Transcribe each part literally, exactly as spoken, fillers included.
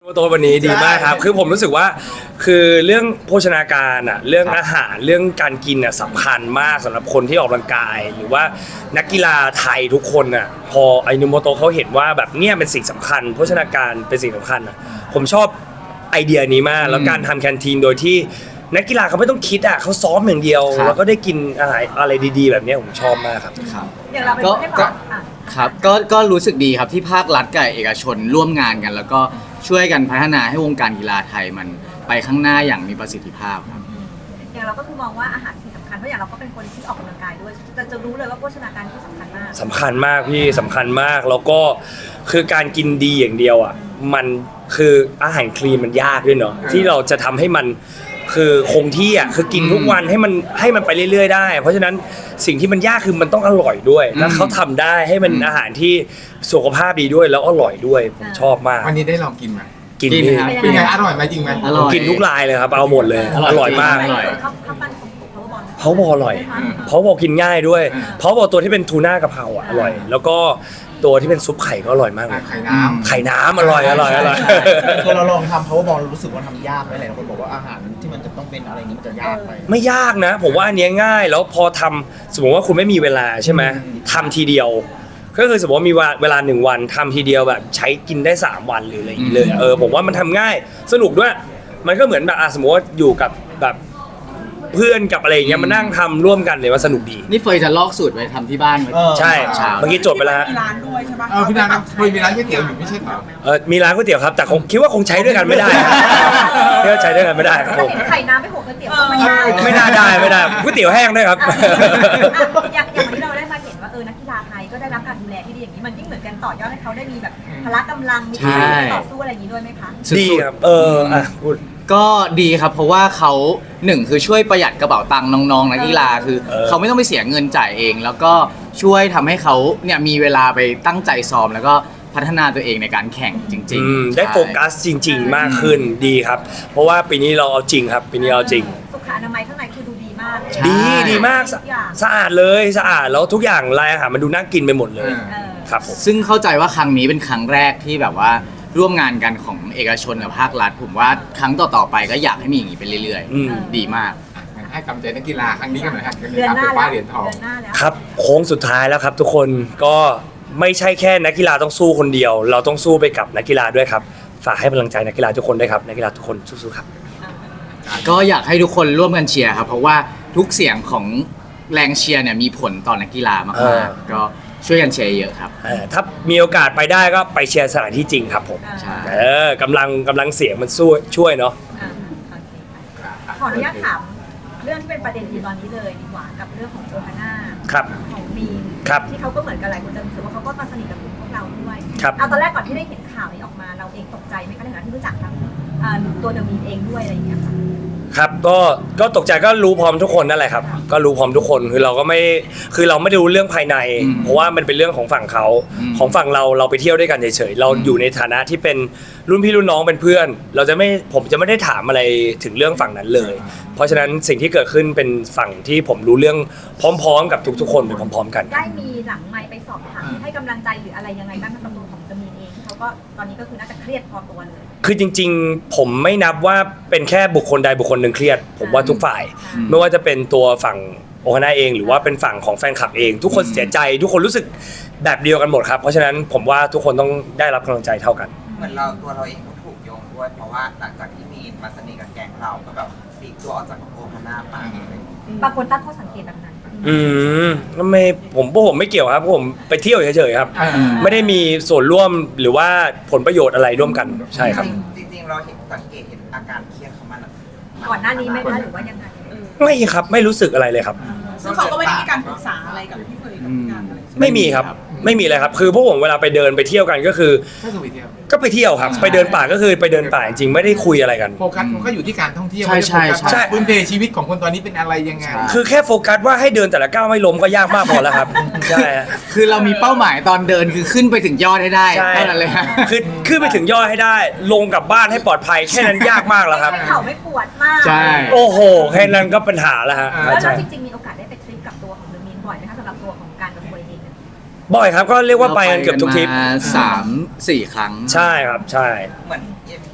ตัววันนี้ดีมากครับคือผมรู้สึกว่าคือเรื่องโภชนาการอ่ะเรื่องอาหารเรื่องการกินอ่ะสำคัญมากสำหรับคนที่ออกกำลังกายหรือว่านักกีฬาไทยทุกคนอ่ะพอไอนุโมโตะเขาเห็นว่าแบบเนี่ยเป็นสิ่งสำคัญโภชนาการเป็นสิ่งสำคัญอ่ะผมชอบไอเดียนี้มากแล้วการทำแคนทีนโดยที่นักกีฬาเขาไม่ต้องคิดอ่ะเขาซ้อมอย่างเดียวแล้วก็ได้กินอาหารอะไรดีๆแบบนี้ผมชอบมากครับครับอย่างเราเป็นก็คนให้บก็อกอ่ะครับก็ก็รู้สึกดีครับที่ภาครัฐกับเอกชนร่วมงานกัน แล้วก็ช่วยกันพัฒนาให้วงการกีฬาไทยมันไปข้างหน้าอย่างมีประสิทธิภาพครับอย่างเราก็คือมองว่าอาหารสิ่งสำคัญเพราะอย่างเราก็เป็นคนที่ออกกำลังกายด้วยแต่จะรู้เลยว่าโภชนาการที่สำคัญมากสำคัญมากพี่สำคัญมากแล้วก็คือการกินดีอย่างเดียวอ่ะมันคืออาหารคลีนมันยากด้วยเนาะที่เราจะทำให้มันคือคงที่อ่ะคือกินทุกวันให้มันให้มันไปเรื่อยๆได้เพราะฉะนั้นสิ่งที่มันยากคือมันต้องอร่อยด้วยแล้วเขาทำได้ให้มันอาหารที่สุขภาพดีด้วยแล้วอร่อยด้วยผมชอบมากวันนี้ได้ลองกินไหมกินกินนี่ครับเป็นไงอร่อยไหมจริงไหมอร่อยกินทุกรายเลยครับเอาหมดเลยอร่อยอร่อยมากอร่อยข้าวข้าวปั้นของผมเขาบอกเพราะบออร่อยเพราะบอกินง่ายด้วยเพราะบอตัวที่เป็นทูน่ากะเพราอ่ะอร่อย แล้วก็ตัวที่เป็นซุปไข่ก็อร่อยมากเลยไข่น้ำไข่น้ำอร่อยอร่อยอร่อยคือเราลองทำ powerball รู้สึกว่าทำยากไหมหลายคนบอกว่าอาหารที่มันจะต้องเป็นอะไรอย่างนี้มันจะยากไปไม่ยากนะผมว่าอันเนี้ยง่ายแล้วพอทำสมมติว่าคุณไม่มีเวลาใช่ไหมทำทีเดียว ก็คือสมมติว่ามีเวลาหนึ่งวันทำทีเดียวแบบใช้กินได้สามวันหรืออะไรอย่างเงี้ยเลยเออผมว่ามันทำง่ายสนุกด้วยมันก็เหมือนแบบอ่ะสมมติว่าอยู่กับแบบเพื่อนกับอะไรอย่างเงี้ยมานั่งทำร่วมกันเลยว่าสนุกดีนี่เฟยจะลอกสูตรไปทำที่บ้านไว้เออใช่เช้าเมื่อกี้จดไปแล้วฮะมีร้านด้วยใช่ปะเออพี่นางเคยมีร้านก๋วยเตี๋ยวอยู่ไม่ใช่เหรอเออมีร้านก๋วยเตี๋ยวครับแต่คงคิดว่าคงใช้ด้วยกันไม่ได้คิดว่าใช้ด้วยกันไม่ได้ครับผมไข่น้ำไปหกก๋วยเตี๋ยวก็ไม่ได้ไม่น่าได้ไม่ได้ก๋วยเตี๋ยวแห้งด้วยครับอ่ะอย่างอย่างวันนี้เราได้มาเห็นว่าเออนักกีฬาไทยก็ได้รับการดูแลที่ดีอย่างนี้มันยิ่งเหมือนกันต่อยอดให้เขาได้มีแบบพละกำลังมีใช่การต่อสู้อะไรอย่างนี้ด้วยไหมคะสุดๆดีครับเอออ่ะพูดก็ดีครับเพราะว่าเขาหนึ่งคือช่วยประหยัดกระเป๋าตังค์น้องๆนักกีฬาคือเออเขาไม่ต้องไปเสียเงินจ่ายเอง แล้วก็ช่วยทำให้เขาเนี่ยมีเวลาไปตั้งใจซ้อมแล้วก็พัฒนาตัวเองในการแข่งจริงอืมๆได้ใช่โฟกัสจริง ๆ มากขึ้นดีครับ เพราะว่าปีนี้เราเอาจริงครับ ปีนี้เราเอาจริงสุขอนามัยข้างในคือดูดีมากเลยใช่ดีดีมากสะทุอย่างสะอาดเลยสะอาดแล้วทุกอย่างรายอาหารมันดูน่ากินไปหมดเลยเออครับผมซึ่งเข้าใจว่าครั้งนี้เป็นครั้งแรกที่แบบว่าร่วมงานกันของเอกชนกับภาครัฐ ผมว่าครั้งต่อๆไปก็อยากให้มีอย่างนี้ไปเรื่อยอืมๆ ดีมากงั้นให้กำลังใจนักกีฬาครั้งนี้กันหน่อยครับเดือนหน้าเป็นแล้ป้าว เหรียญทองเดือนหน้าแล้วครับโค้งสุดท้ายแล้วครับ ทุกคนก็ไม่ใช่แค่นักกีฬาต้องสู้คนเดียว เราต้องสู้ไปกับนักกีฬาด้วยครับฝากให้กำลังใจนักกีฬาทุกคนด้วยครับนักกีฬาทุกคนสู้ๆครับก็อยากให้ทุกคนร่วมกันเชียร์ครับ เพราะว่าทุกเสียงของแรงเชียร์เนี่ยมีผลต่อนักกีฬาเอมาอกๆก็ช่วยกันเชียร์เยอะครับเออถ้ามีโอกาสไปได้ก็ไปเชียร์สถานที่จริงครับผมใช่เออกำลังกำลังเสียงมันสู้ช่วยเนาะอ่าโอเคค่ะขออนุญาตถามเรื่องที่เป็นประเด็นอยู่ตอนนี้เลยดีกว่ากับเรื่องของโอฮาน่าครับของมีนครับที่เขาก็เหมือนกันหลายคนจะรู้สึกว่าเขาก็มาสนิทกับกลุ่มพวกเราด้วยครับเอาตอนแรกก่อนที่ได้เห็นข่าวนี้ออกมาเราเองตกใจไหมคะในฐานะที่รู้จักทั้งอ่าตัวเดอะมีนเองด้วยอะไรอย่างเงี้ยค่ะครับก็ก็ตกใจก็รู้พร้อมทุกคนนั่นแหละครับก็รู้พร้อมทุกคนคือเราก็ไม่คือเราไม่ได้รู้เรื่องภายในอืมเพราะว่ามันเป็นเรื่องของฝั่งเขาอืมของฝั่งเราเราไปเที่ยวด้วยกันเฉยๆเราอืมอยู่ในฐานะที่เป็นรุ่นพี่รุ่นน้องเป็นเพื่อน เราจะไม่ผมจะไม่ได้ถามอะไรถึงเรื่องฝั่งนั้นเลย เพราะฉะนั้นสิ่งที่เกิดขึ้นเป็นฝั่งที่ผมรู้เรื่องพร้อมๆ กับทุกๆ คนไปพร้อมๆ กันได้มีหลังไมค์ไปสอบถามให้กำลังใจหรืออะไรยังไงบ้างกับตัวของเดอะมีนเองที่เขาก็ตอนนี้ก็คือน่าจะเครียดพอตัวเลยคือจริงๆ ผมไม่นับว่าเป็นแค่บุคคลใดบุคคลหนึ่งเครียด ผมว่าทุกฝ่ายอืมไม่ว่าจะเป็นตัวฝั่งโอฮาน่าเองหรือว่าเป็นฝั่งของแฟนคลับเอง ทุกคนเสียใจทุกคนรู้สึกแบบเดียวกันหมดครับเพราะฉะนั้นผมว่าทุกคนต้องได้รับกำลังใจเท่ากันเหมือนเราตัวเราเองก็ถูกโยงด้วย เพราะว่าหลังจากที่มีนมาสนิทกับแก๊งเราก็แบบปลีกตัวออกจากโอฮาน่าไปอะไรอย่างเงี้ยบางคนตั้งข้อสังเกตแบบนั้นอืมไม่ผมพวกผมไม่เกี่ยวครับพวกผมไปเที่ยวเฉยๆครับอ่าไม่ได้มีส่วนร่วมหรือว่าผลประโยชน์อะไรร่วมกันใช่ครับจริงๆเราเห็นสังเกตเห็นอาการเครียดเขามันก่อนหน้านี้ไหมคะหรือว่ายังไงไม่ครับไม่รู้สึกอะไรเลยครับซึ่งเขาก็ไม่ได้มีการปรึกษาอะไรกับพี่เฟยกับพี่การอะไรใช่ไหมไม่มีครับไม่มีเลยครับคือพวกผมเวลาไปเดินไปเที่ยวกันก็คือก็คือไปเที่ยวก็ไปเที่ยวครับ ไปเดินป่าก็คือไปเดินป่าจริงๆไม่ได้คุยอะไรกันโฟกัสมันก็อยู่ที่การท่องเที่ยวใช่ใช่ไม่ได้โฟกัสใช่ว่าพื้นเพชีวิตของคนตอนนี้เป็นอะไรยังไงใช่คือแค่โฟกัสว่าให้เดินแต่ละก้าวไม่ล้มก็ยากมากพอแล้วครับใช่ฮะคือเรามีเป้าหมายตอนเดินคือขึ้นไปถึงยอดให้ได้ใช่เท่านั้นเลยฮะคือขึ้นไปถึงยอดให้ได้ ลงกลับบ้านให้ปลอดภัยแค่นั้นยากมากแล้วครับเข่าไม่ปวดมากใช่โอ้โหแค่นั้นก็ปัญหาแล้วฮะแล้วใช่เราจริงๆมีโอกาสได้ไปทริปกับตัวของเดอะมีนบ่อยไหมคะสำหรับตัวของการกับตัวเองเนี่ยบ่อยครับก็เรียกว่าไปกันเกือบทุกทริปเราไปนมาสามสี่ครั้งใช่ครับใช่เหมือนแบบ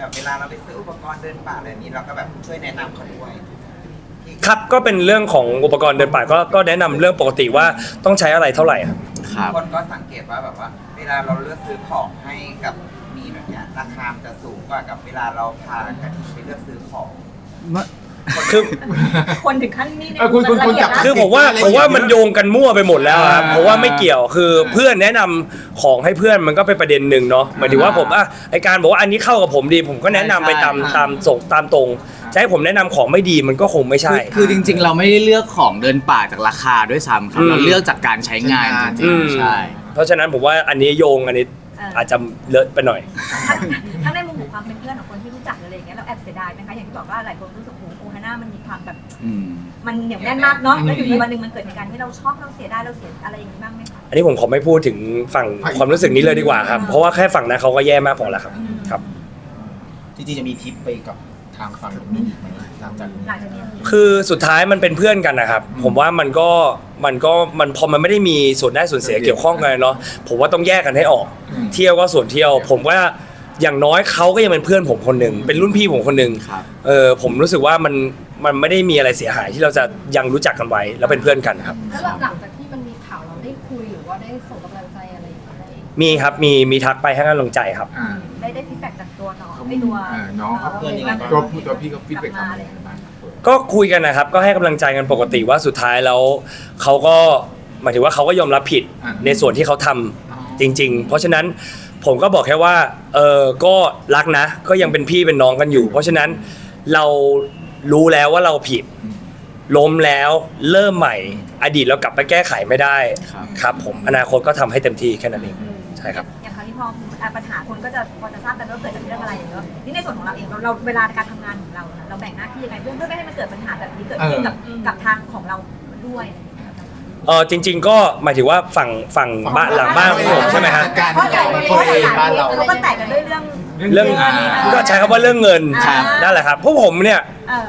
แบบเวลาเราไปซื้ออุปกรณ์เดินป่าอะไรนี้เราก็แบบช่วยแนะนำเขาด้วยครับก็เป็นเรื่องของอุปกรณ์เดินป่าก็ก็แนะนำเรื่องปกติว่าต้องใช้อะไรเท่าไหร่ครับครับคนก็สังเกตว่าแบบว่า เวลาเราเลือกซื้อของให้กับมีแบบเนี้ยราคามันจะสูงกว่ากับเวลาเราพากระทิงไปเลือกซื้อของคือคนถึงขั้นนี้เนี่ยเออคุณคุณคุณจับคือผมว่าผมว่ามันโยงกันมั่วไปหมดแล้วครับอ่าเพราะว่าไม่เกี่ยวคือเพื่อนแนะนำของให้เพื่อนมันก็เป็นประเด็นหนึ่งเนาะหมายถึงว่าผมอ่ะไอการบอกว่าอันนี้เข้ากับผมดี ผมก็แนะนำไปตามใช่ตามส่งตามตรงจะให้ผมแนะนำของไม่ดีมันก็คงไม่ใช่คือคือจริง ๆ เราไม่ได้เลือกของเดินป่าจากราคาด้วยซ้ำครับอืมเราเลือกจากการใช้งานจริอืงมๆใช่เพราะฉะนั้นผมว่าอันนี้โยงอันนี้อาจจะเลอะไปหน่อยทั้งทั้งในมุมของความเป็นเพื่อนของคนที่รู้จักอะไรอย่างเงี้ยเราแอบเสียดายไหมคะอย่างที่บอกว่าหลายคนรู้สึกโอ้โหโอฮาน่ามันมีความแบบอืมมันเหนียวแน่นมากเนาะแล้วอยู่ดีวันหนึ่งมันเกิดเหตุการณ์ที่เราชอบเราเสียดายเราเสียอะไรอย่างนี้บ้างไหมคะอันนี้ผมขอไม่พูดถึงฝั่งความรู้สึกนี้เลยดีกว่าครับ เพราะว่าแค่ฝั่งนั้นเขาก็แย่มากพอแล้วครับครับจริงๆจะมีทริปไปกับทางฝั่งนู้นอีกไหมหลังจากนี้หลังจากนี้คือสุดท้ายมันเป็นเพื่อนกันนะครับ ผมว่ามันก็มันก็มันพอมันไม่ได้มีส่วนได้ส่วนเสียเกี่ยวข้องกันเนาะผมว่าต้องแยกกันให้ออก เที่ยวก็ส่วนเที่ยว ผมว่าอย่างน้อยเขาก็ยังเป็นเพื่อนผมคนหนึ่งเป็นรุ่นพี่ผมคนหนึ่งครับเออผมรู้สึกว่ามันมันไม่ได้มีอะไรเสียหายที่เราจะยังรู้จักกันไว้แล้วเป็นเพื่อนกันครับแล้วหลังจากที่มันมีข่าวเราได้คุยหรือว่าได้ส่งกำลังใจอะไรอย่างเงี้ยได้มีครับมีมีทักไปให้กำลังใจครับอ่าได้ได้ฟีดแบ็กจากตัวน้องไม่ตัวเออน้องเขาเพื่อนยังไงบ้างตัวผู้ตัวพี่ก็ฟีดแบ็กกลับมาอะไรบ้างก็คุยกันนะครับก็ให้กำลังใจกันปกติว่าสุดท้ายแล้วเขาก็หมายถึงว่าเขาก็ยอมรับผิดอ่าในส่วนที่เขาทำจริง ๆ เพราะฉะนั้นผมก็บอกแค่ว่าเออก็รักนะ ก็ยังเป็นพี่เป็นน้องกันอยู่ เพราะฉะนั้นเรารู้แล้วว่าเราผิดล้มแล้วเริ่มใหม่ อดีตเรากลับไปแก้ไขไม่ได้ครับครับผมอนาคตก็ทำให้เต็มที่แค่นั้นเองใช่ครับอย่างคราวนี้พอปัญหาคนก็จะพอจะทราบกันว่าเกิดจากเรื่องอะไรอย่างเงี้ยนี่ในส่วนของเราเองเราเราเวลาการทำงานของเราเนี่ยเราแบ่งหน้าที่ยังไงเพื่อเพื่อไม่ให้มันเกิดปัญหาแบบนี้เกิดขึ้นกับกับทางของเราด้วยเออจริง ๆ ก็หมายถึงว่าฝั่งฝั่งบ้านหลังบ้านของผมใช่ไหมฮะเพราะหลายคนบ้านเราเขาก็แตกกันด้วยเรื่องเรื่องก็ใช้คำว่าเรื่องเงินครับนั่นแหละครับพวกผมเนี่ยเออ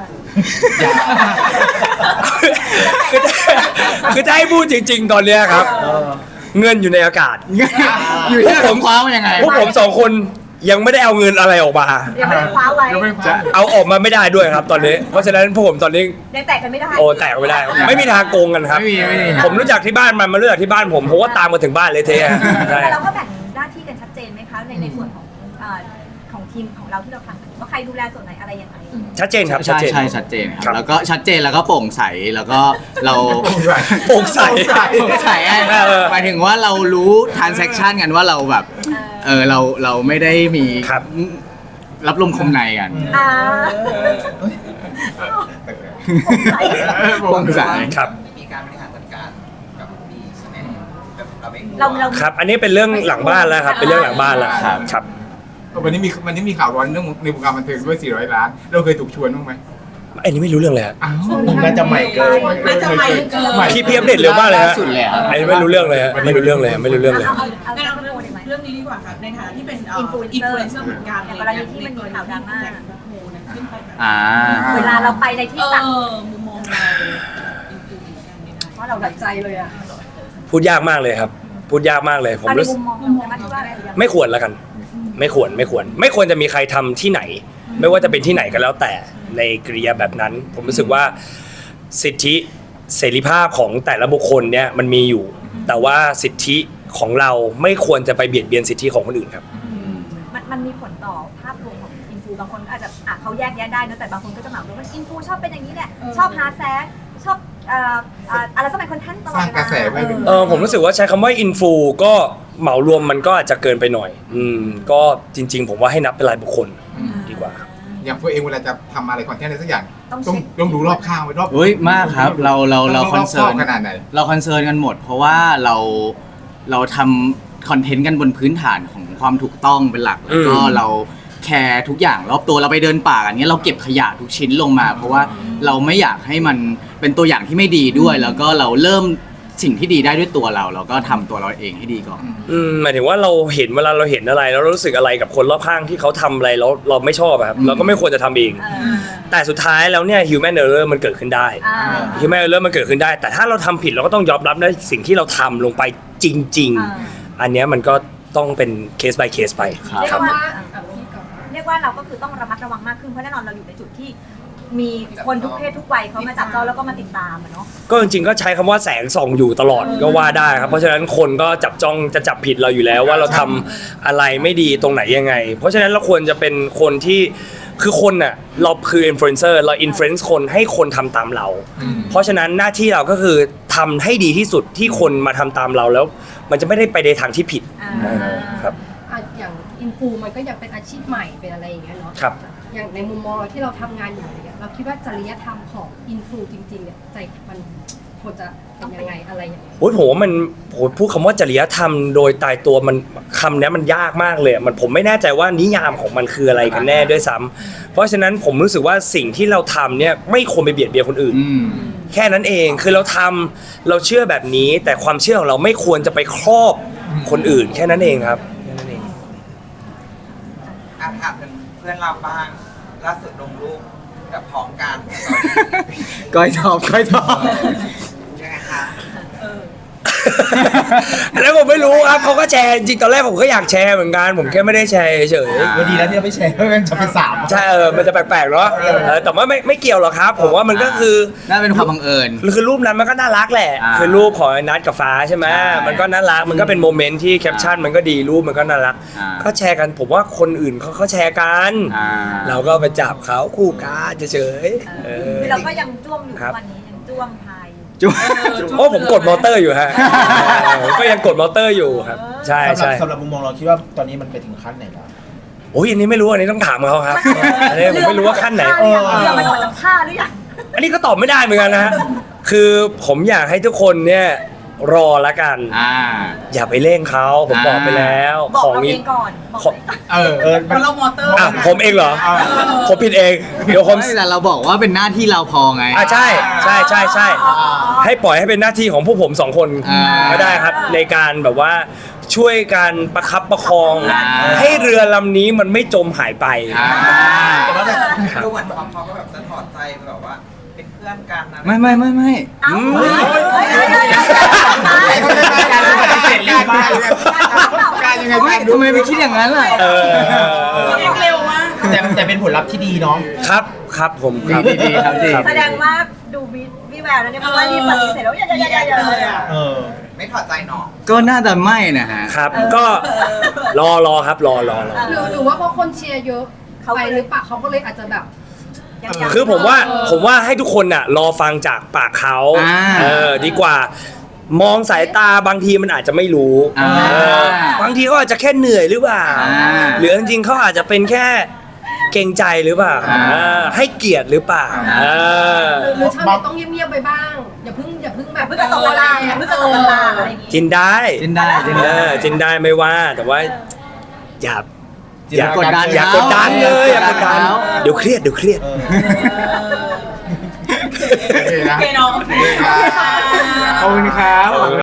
คือคือจะให้พูดจริง ๆ ตอนเนี้ยครับเออเงินอยู่ในอากาศอยู่ที่ผมคว้ามันยังไงพวกผมสองคนยังไม่ได้เอาเงินอะไรออกมายังไม่ได้คว้าไว้ยังไม่คว้าเอาออกมาไม่ได้ด้วยครับ ตอนนี้ เพราะฉะนั้นพวกผมตอนนี้ยังแตกกันไม่ได้โอ้แตกไม่ได้ ไม่มีทางโกงกันครับไม่มีไม่มีผมรู้จักที่บ้านมันมารู้จักที่บ้านผมผมก็ตามมาถึงบ้านเลยเทะใช่แต่เราก็แบ่งหน้าที่กันชัดเจนไหมคะในในส่วนของเอ่อของทีมของเราที่เราทำว่าใครดูแลส่วนไหนอะไรยังไงชัดเจนครับชัดใช่เจนใช่ชัดเจนคครัรับ บแล้วก็ชัดเจนแล้วก็โปร่งใสแล้วก็เราโปร่งใสโปร่งใสอ่ะเออหมายถึงว่าเรารู้ transaction กันว่าเราแบบเออเราเราไม่ได้มีครับรับลมคมในกันอ่าโปร่งใสครับมีการบริหารจัดการกับดีใช่ไหมแบบเราไม่เราเราครับ อันนี้เป็นเรื่องหลังบ้านแล้วครับ เป็นเรื่องหลังบ้านแล้วครับครับวันนี้มีวันนี้มีข่าวร้อนเรื่องในวงการบันเทิงด้วยสี่ร้อยล้าน เราเคยถูกชวนบ้างไหมอันนี้ไม่รู้เรื่องเลยฮะอ้าวมันน่าจะใหม่เกินน่าจะใหม่เกินใหม่พี่พี่อัปเดตเร็วมากเลยฮะล่าสุดเลยอะอันนี้ไม่รู้เรื่องเลยฮะไม่รู้เรื่องเลยฮะไม่รู้เรื่องเลยเอาเอาเอางั้นเอาเอาเรื่องโมได้ไหมเรื่องนี้ดีกว่าค่ะในฐานะที่เป็นอินฟลูเอนเซอร์อินฟลูเอนเซอร์เหมือนกันอย่างกรณีที่มันมีข่าวดราม่าแจ็คโฮนะขึ้นไปแบบอ่าเวลาเราไปในที่เอต่างอมุมมองเราอินฟลูเหมือนกันเนี่ยนะเพราะเราแบบใจเลยอ่ะพูดยากมากเลยครับ พูดยากมากเลย ผมเอาในรู้สึมุกมมองเราใช่ไหมที่ว่าอะไรอย่างไม่ควรแล้วกัน ไม่ควรไม่ควร ไม่ควรจะมีใครทำที่ไหน ไม่ว่าจะเป็นที่ไหนก็แล้วแต่ในกริยาแบบนั้น ผมรู้สึกว่าสิทธิเสรีภาพของแต่ละบุคคลเนี่ยมันมีอยู่ แต่ว่าสิทธิของเราไม่ควรจะไปเบียดเบียนสิทธิของคนอื่นครับมันมันมีผลต่อภาพรวมของอินฟูบางคนอาจจะอ่ะเขาแยกแยะได้นะแต่บางคนก็จะเหมารวมว่าอินฟูชอบเป็นอย่างนี้แหละชอบหาแซกชอบเอ่อเอ่ออะไรก็เป็นคนท่านตลอดสร้างกระแสไว้เวลาเออผมรู้สึกว่าใช้คำว่าอินฟูก็เหมารวมมันก็อาจจะเกินไปหน่อย อืมก็จริง ๆ ผมว่าให้นับเป็นรายบุคคลดีกว่าอย่างตัวเองเวลาจะทำอะไรคอนเทนต์อะไรสักอย่างต้องต้องเช็คต้องดูรอบข้างไว้รอบเฮ้ยมากครับเราเราเราต้งคอนเซิร์นบขนาดไหนเราคอนเซิร์นกันหมด เพราะว่าเราเราทำคอนเทนต์กันบนพื้นฐานของความถูกต้องเป็นหลักแล้วก็อืมเราแคร์ทุกอย่างรอบตัวเราไปเดินป่ากันเนี้ยเราเก็บขยะทุกชิ้นลงมา เพราะว่าเราไม่อยากให้มันเป็นตัวอย่างที่ไม่ดีด้วย แล้วก็เราเริ่มสิ่งที่ดีได้ด้วยตัวเรา เราก็ทำตัวเราเองให้ดีก่อนอืมหมายถึงว่าเราเห็นเวลาเราเห็นอะไรแล้วเรารู้สึกอะไรกับคนรอบข้างที่เขาทำอะไรแล้วเราไม่ชอบอะครับอืมเราก็ไม่ควรจะทำเองเออแต่สุดท้ายแล้วเนี่ย human error มันเกิดขึ้นได้อ่า human error มันเกิดขึ้นได้ แต่ถ้าเราทำผิดเราก็ต้องยอมรับในสิ่งที่เราทำลงไปจริงอ่าๆ อันเนี้ยมันก็ต้องเป็น case by case ไปครับเรียกว่าเรียกกว่าเราก็คือต้องระมัดระวังมากขึ้นเพราะแน่นอนเราอยู่ในจุดที่มีคนทุกเพศทุกวัยเขามาจับจ้องแล้วก็มาติดตามอะเนาะก็จริงๆก็ใช้คำว่าแสงส่องอยู่ตลอดก็ว่าได้ครับเพราะฉะนั้นคนก็จับจ้องจะจับผิดเราอยู่แล้วว่าเราทำอะไรไม่ดีตรงไหนยังไง เพราะฉะนั้นเราควรจะเป็นคนที่คือคนน่ะเราคืออินฟลูเอนเซอร์เราอินฟลูเอนซ์คนให้คนทำตามเรา เพราะฉะนั้นหน้าที่เราก็คือทำให้ดีที่สุดที่คนมาทำตามเราแล้ว มันจะไม่ได้ไปในทางที่ผิดอ่าครับอ่ะอย่างอินฟูมันก็ยังเป็นอาชีพใหม่เป็นอะไรอย่างเงี้ยเนาะครับอย่างในมุมมองเราที่เราทำงานอยู่เนี่ยเราคิดว่าจริยธรรมของอินฟูจริงๆเนี่ยใจมันควรจะเป็นยังไงอะไรอย่างเงี้ยโอ้ยผมว่ามันโหพูดคำว่าจริยธรรมโดยตายตัวมันคำเนี้ยมันยากมากเลยมันผมไม่แน่ใจว่านิยามของมันคืออะไรกันแน่ด้วยซ้ำเพราะฉะนั้นผมรู้สึกว่าสิ่งที่เราทำเนี่ยไม่ควรไปเบียดเบียนคนอื่นอืมแค่นั้นเองคือเราทำเราเชื่อแบบนี้ แต่ความเชื่อของเราไม่ควรจะไปครอบคนอื่น แค่นั้นเองครับแค่นั้นเองอ่ะถามถึงเพื่อนเราบ้างล่าสุดลงรูปกับพร้อมกันก้อยทอบก้อยทอบยังไงคะอันนั้นผมไม่รู้ครับเขาก็แชร์จริงๆตอนแรกผมก็อยากแชร์เหมือนกันผมแค่ไม่ได้แชร์เฉยอ่าวันดีแล้วที่เราไม่แชร์เพราะมันจะเป็นสามใช่เออมันจะแปลกๆเนาะเออแต่ว่าไม่ไม่เกี่ยวหรอกครับ ผมว่ามันก็คือน่าเป็นความบังเอิญคือรูปนั้นมันก็น่ารักแหละอ่าคือรูปของไอ้นัทกับฟ้าใช่ไหมใช่มันก็น่ารักมันก็เป็นโมเมนต์ที่แคปชั่นมันก็ดีรูปมันก็น่ารักอ่าก็แชร์กันผมว่าคนอื่นเขาเขาแชร์กันอ่าเราก็ไปจับเขาคู่กันเฉยๆเออคือเราก็ยังจ้วงอยู่ครับวันนี้ยังจ้วงพายอยู่จุ๊บโอ้ผมกดมอเตอร์อยู่ฮะผมก็ยังกดมอเตอร์อยู่ครับ ใช่สำหรับใช่สำหรับมุมมองเราคิดว่าตอนนี้มันไปถึงขั้นไหนแล้วโอ้ยอันนี้ไม่รู้อันนี้ต้องถามเขาครับอันนี้ผมไม่รู้ว่าขั้นไหนเรือมันออกจากท่าหรือยังอันนี้ก็ตอบไม่ได้เหมือนกันนะฮะคือผมอยากให้ทุกคนเนี่ยรอละกันอ่าอย่าไปเร่งเขาผมบอกไปแล้วบอกของเราเอนี้งก่อนบอกของเออเออเพราะเรามอเตอร์อ่ะผมเองเหรอ ผมผิดเอง เดี๋ยวผมไม่แต่เราบอกว่าเป็นหน้าที่เราพอไงอ่ะใช่ใช่ใช่ใช่ให้ปล่อยให้เป็นหน้าที่ของพวกผมสองคนอ่าก็ได้ครับในการแบบว่าช่วยกันประคับประคองอ่าให้เรือลำนี้มันไม่จมหายไปอ่าดูเหมือนพร้อมเขาก็แบบจะถอดใจแบบว่าเป็นเพื่อนกันนะไม่ไม่ไม่ไม่เอ้าอืมเฮ้ยเฮ้ยเฮ้ยเฮ้ยการปฏิเสธเร็วมากการยังไงไม่ทำไมไปคิดอย่างนั้นล่ะเออเร็วมากแต่แต่เป็นผลลัพธ์ที่ดีเนาะครับครับผมครับดีดีครับดีแสดงว่าดูวิวิแววแล้วเนี่ยเพราะว่านี่ปฏิเสธแล้วอย่าอย่าอย่าอย่าเลยอ่ะเออไม่ถอดใจเนาะก็น่าจะไม่นะฮะครับก็รอรอครับรอรอรอหรือหรือว่าเพราะคนเชียร์เยอะเขาไปก็เลยหรือเปล่าเขาก็เลยอาจจะแบบยังยังคือผมว่าผมว่าให้ทุกคนน่ะรอฟังจากปากเขาอ่าเออดีกว่า มองสายตาบางทีมันอาจจะไม่รู้อ่าเออบางทีเขาอาจจะแค่เหนื่อยหรือเปล่าอ่าหรือจริงๆเขาอาจจะเป็นแค่เกรงใจหรือเปล่าอ่าเออให้เกียรติหรือเปล่าอ่าเออหรือหรือชาวเน็ตต้องเงียบๆไปบ้าง อย่าเพิ่งอย่าเพิ่งแบบเพิ่งจะตกเวลาเพิ่งจะตกเวลาอะไรอย่างงี้จินได้จินได้จินเอได้อจินได้ไม่ว่าแต่ว่าอย่าอย่าอย่ากดดันอย่ากดดันเลยอย่ากดดันเขาเดี๋ยวเครียดเดี๋ยวเครียดเออโอเคนะโอเคเนาะโอเคครับขอบคุณครับ